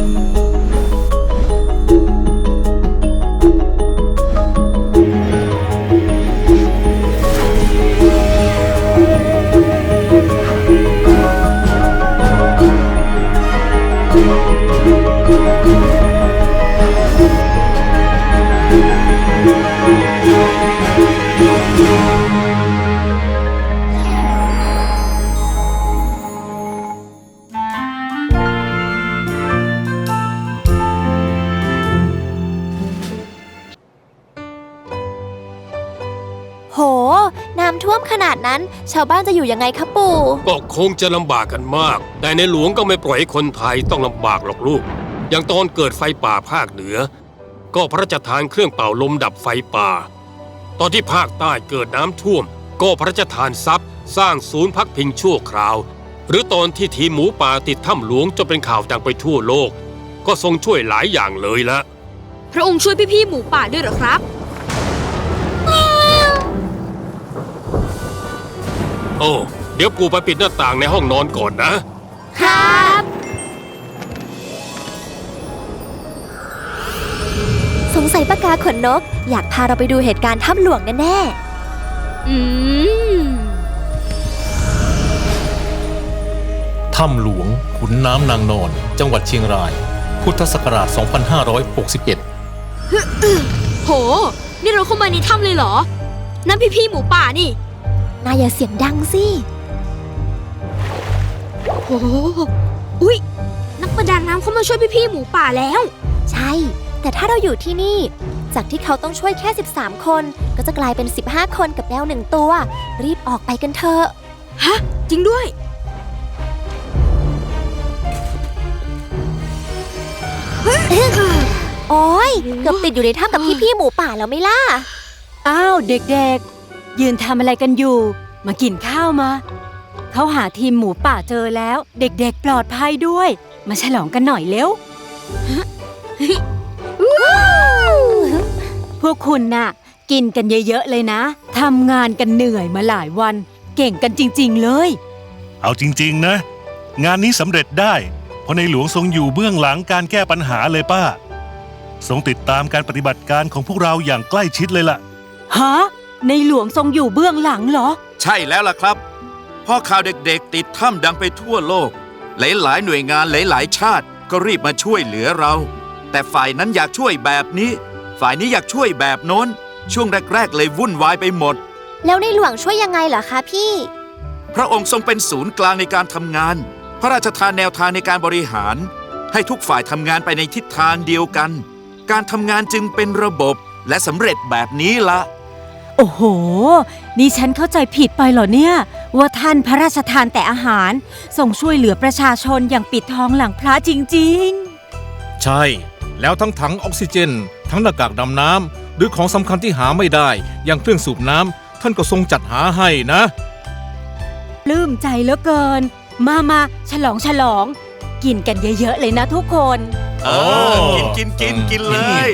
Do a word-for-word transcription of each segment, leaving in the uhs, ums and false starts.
โหน้ำท่วมขนาดนั้นชาวบ้านจะอยู่ยังไงคะปู่ก็คงจะลำบากกันมากแต่ในหลวงก็ไม่ปล่อยให้คนไทยต้องลำบากหรอกลูกอย่างตอนเกิดไฟป่าภาคเหนือก็พระราชทานเครื่องเป่าลมดับไฟป่าตอนที่ภาคใต้เกิดน้ำท่วมก็พระราชทานทรัพย์สร้างศูนย์พักพิงชั่วคราวหรือตอนที่ทีมหมูป่าติดถ้ำหลวงจนเป็นข่าวดังไปทั่วโลกก็ทรงช่วยหลายอย่างเลยละพระองค์ช่วยพี่ๆหมูป่าด้วยเหรอครับโอ้เดี๋ยวปู่ไปปิดหน้าต่างในห้องนอนก่อนนะครับสงสัยปากกาขนนกอยากพาเราไปดูเหตุการณ์ถ้ำหลวงแน่ๆอืมถ้ำหลวงขุนน้ำนางนอนจังหวัดเชียงรายพุทธศักราชสองพันห้าร้อยหกสิบเอ็ดโหนี่เราเข้ามาในถ้ำเลยเหรอนั่นพี่ๆหมูป่านี่นายอย่าเสียงดังสิโหอุ๊ยนักประดาน้ำเขามาช่วยพี่ๆหมูป่าแล้วใช่แต่ถ้าเราอยู่ที่นี่จากที่เขาต้องช่วยแค่สิบสามคนก็จะกลายเป็นสิบห้าคนกับแมวหนึ่งตัวรีบออกไปกันเถอะฮะจริงด้วยโอ๊ยเกือบติดอยู่ในถ้ำกับพี่ๆหมูป่าแล้วไม่ล่ะอ้าวเด็กๆยืนทำอะไรกันอยู่มากินข้าวมาเขาหาทีมหมูป่าเจอแล้วเด็กๆปลอดภัยด้วยมาฉลองกันหน่อยเร็วพวกคุณน่ะกินกันเยอะๆเลยนะทำงานกันเหนื่อยมาหลายวันเก่งกันจริงๆเลยเอาจริงๆนะงานนี้สำเร็จได้เพราะในหลวงทรงอยู่เบื้องหลังการแก้ปัญหาเลยป้าทรงติดตามการปฏิบัติการของพวกเราอย่างใกล้ชิดเลยล่ะฮะในหลวงทรงอยู่เบื้องหลังเหรอใช่แล้วล่ะครับพอข่าวเด็กๆติดถ้ำดังไปทั่วโลกหลายๆหน่วยงานหลายๆชาติก็รีบมาช่วยเหลือเราแต่ฝ่ายนั้นอยากช่วยแบบนี้ฝ่ายนี้อยากช่วยแบบโน้นช่วงแรกๆเลยวุ่นวายไปหมดแล้วในหลวงช่วยยังไงเหรอคะพี่พระองค์ทรงเป็นศูนย์กลางในการทำงานพระราชทานแนวทางในการบริหารให้ทุกฝ่ายทำงานไปในทิศทางเดียวกันการทำงานจึงเป็นระบบและสำเร็จแบบนี้ละโอ้โหนี่ฉันเข้าใจผิดไปเหรอเนี่ยว่าท่านพระราชทานแต่อาหารส่งช่วยเหลือประชาชนอย่างปิดทองหลังพระจริงๆใช่แล้วทั้งถังออกซิเจนทั้งหน้ากากดำน้ำหรือของสำคัญที่หาไม่ได้อย่างเครื่องสูบน้ำท่านก็ทรงจัดหาให้นะปลื้มใจเหลือเกินมามาฉลองฉลองกินกันเยอะๆเลยนะทุกคนเออกินกินกินกินเลย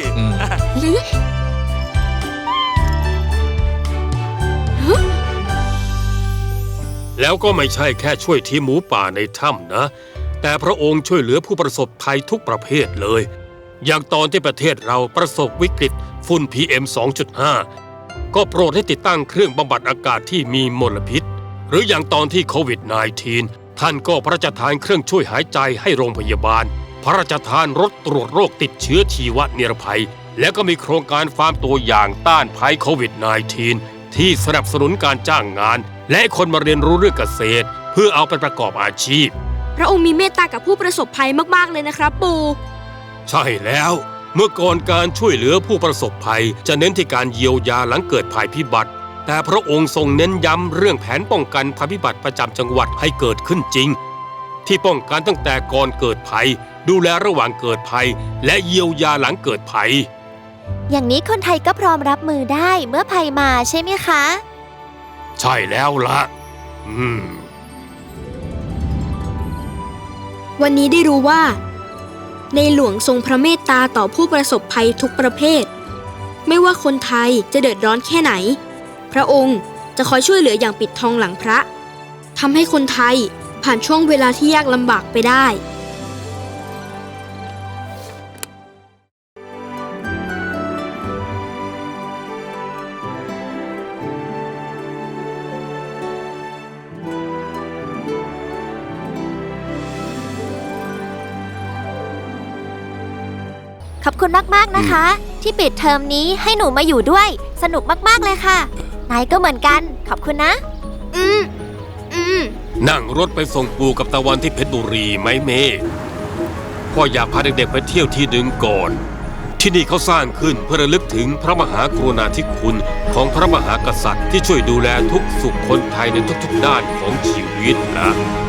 แล้วก็ไม่ใช่แค่ช่วยทีมหมูป่าในถ้ำนะแต่พระองค์ช่วยเหลือผู้ประสบภัยทุกประเภทเลยอย่างตอนที่ประเทศเราประสบวิกฤตฝุ่น พี เอ็ม สองจุดห้า ก็โปรดให้ติดตั้งเครื่องบำบัดอากาศที่มีมลพิษหรืออย่างตอนที่โควิด สิบเก้า ท่านก็พระราชทานเครื่องช่วยหายใจให้โรงพยาบาลพระราชทานรถตรวจโรคติดเชื้อชีวนิรภัยและก็มีโครงการฟาร์มตัวอย่างต้านภัยโควิด สิบเก้า ที่สนับสนุนการจ้างงานและคนมาเรียนรู้เรื่องเกษตรเพื่อเอาไปประกอบอาชีพพระองค์มีเมตตากับผู้ประสบภัยมากๆเลยนะครับปู่ใช่แล้วเมื่อก่อนการช่วยเหลือผู้ประสบภัยจะเน้นที่การเยียวยาหลังเกิดภัยพิบัติแต่พระองค์ทรงเน้นย้ำเรื่องแผนป้องกันภัยพิบัติประจำจังหวัดให้เกิดขึ้นจริงที่ป้องกันตั้งแต่ก่อนเกิดภัยดูแลระหว่างเกิดภัยและเยียวยาหลังเกิดภัยอย่างนี้คนไทยก็พร้อมรับมือได้เมื่อภัยมาใช่ไหมคะใช่แล้วล่ะอืมวันนี้ได้รู้ว่าในหลวงทรงพระเมตตาต่อผู้ประสบภัยทุกประเภทไม่ว่าคนไทยจะเดือดร้อนแค่ไหนพระองค์จะคอยช่วยเหลืออย่างปิดทองหลังพระทำให้คนไทยผ่านช่วงเวลาที่ยากลำบากไปได้ขอบคุณมากๆนะคะ ที่ปิดเทอมนี้ให้หนูมาอยู่ด้วย สนุกมากๆเลยค่ะนายก็เหมือนกันขอบคุณนะ อืมอืมนั่งรถไปส่งปู่กับตะวันที่เพชรบุรีไหมเมย์พ่ออยากพาเด็กๆไปเที่ยวที่หนึ่งก่อน ที่นี่เขาสร้างขึ้นเพื่อระลึกถึงพระมหากรุณาธิคุณของพระมหากษัตริย์ที่ช่วยดูแลทุกสุขคนไทยในทุกๆด้านของชีวิตนะ